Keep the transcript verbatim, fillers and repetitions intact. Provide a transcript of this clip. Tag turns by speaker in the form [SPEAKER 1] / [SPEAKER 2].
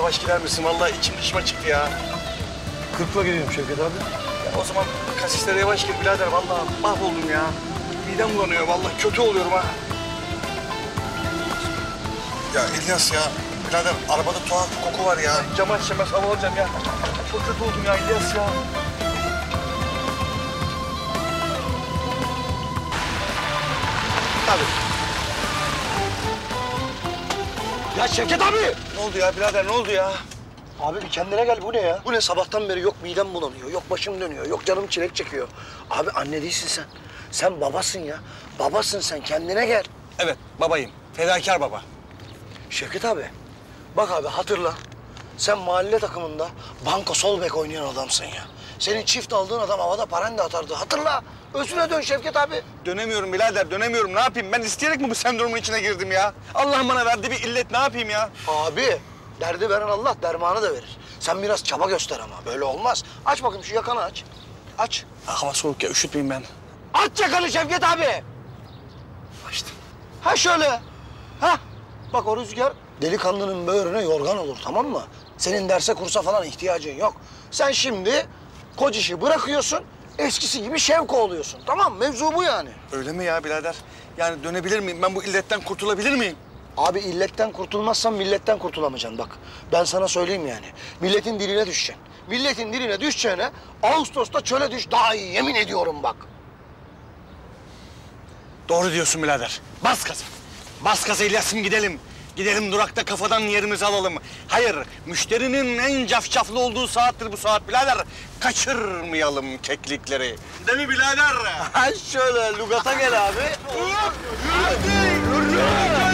[SPEAKER 1] Yavaş gider misin? Vallahi içim dışıma çıktı ya.
[SPEAKER 2] Kırkla gidiyorum Şevket abi.
[SPEAKER 1] Ya o zaman kasislere yavaş gir birader. Vallahi mahvoldum ya. Midem bulanıyor. Vallahi kötü oluyorum ha. Ya İlyas ya. Birader arabada tuhaf bir koku var ya. Camı açacağım, hava alacağım ya. Çok kötü oldum ya İlyas ya. Tabii.
[SPEAKER 2] Ya Şevket abi!
[SPEAKER 1] Ne oldu ya birader, ne oldu ya?
[SPEAKER 2] Abi bir kendine gel, bu ne ya? Bu ne, sabahtan beri yok midem bulanıyor, yok başım dönüyor, yok canım çilek çekiyor. Abi anne değilsin sen. Sen babasın ya. Babasın sen, kendine gel.
[SPEAKER 1] Evet, babayım. Fedakar baba.
[SPEAKER 2] Şevket abi, bak abi hatırla. Sen mahalle takımında banko sol bek oynayan adamsın ya. Senin çift aldığın adam havada paranda atardı. Hatırla. Özüne dön Şevket abi.
[SPEAKER 1] Dönemiyorum birader, dönemiyorum. Ne yapayım? Ben isteyerek mi bu sendromun içine girdim ya? Allah'ım bana verdiği bir illet, ne yapayım ya?
[SPEAKER 2] Abi, derdi veren Allah dermanı da verir. Sen biraz çaba göster ama, böyle olmaz. Aç bakayım şu yakanı aç. Aç.
[SPEAKER 1] Ha, hava soğuk ya, üşütmeyeyim ben.
[SPEAKER 2] Aç yakanı Şevket abi.
[SPEAKER 1] Açtım.
[SPEAKER 2] Ha şöyle. Ha. Bak o rüzgar delikanlının böğrüne yorgan olur, tamam mı? Senin derse kursa falan ihtiyacın yok. Sen şimdi koç işi bırakıyorsun, eskisi gibi şevk oluyorsun. Tamam mı? Mevzu bu yani.
[SPEAKER 1] Öyle mi ya birader? Yani dönebilir miyim? Ben bu illetten kurtulabilir miyim?
[SPEAKER 2] Abi illetten kurtulmazsan milletten kurtulamayacaksın bak. Ben sana söyleyeyim yani. Milletin diline düşeceksin. Milletin diline düşeceğine Ağustos'ta çöle düş daha iyi, yemin ediyorum bak.
[SPEAKER 1] Doğru diyorsun birader. Bas gaza. Bas gaza İlyas'ım, gidelim. Gidelim durakta kafadan yerimizi alalım. Hayır, müşterinin en cafcaflı olduğu saattir bu saat birader. Kaçırmayalım keklikleri. Değil mi birader?
[SPEAKER 2] Ha şöyle lugata gel abi.
[SPEAKER 1] Yürü! Yürü! Yürü!